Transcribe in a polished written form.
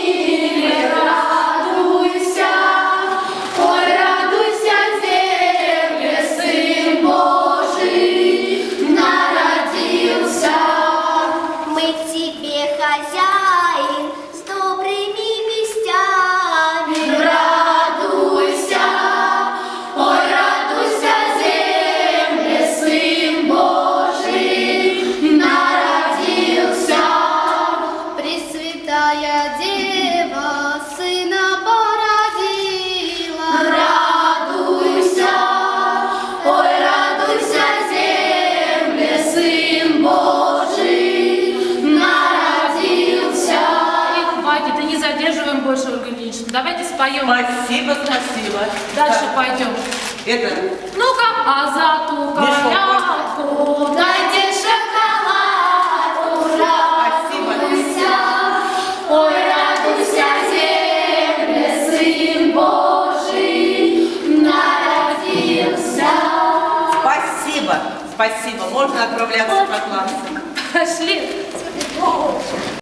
Хозяин с добрыми вестями. Радуйся, ой, радуйся, земле, Сын Божий народился. Пресвятая Дева Сына породила. Радуйся, ой, радуйся, земле, Сын Божий. Да не задерживаем больше, Ольга Ильинична. Давайте споем. Спасибо, спасибо. Дальше Так. пойдем. Это... Ну-ка, а за ту колядку дайте шоколадку. Радуйся, ой, радуйся, земле, Сын Божий народился. Спасибо, спасибо. Можно отправляться по классу. Пошли.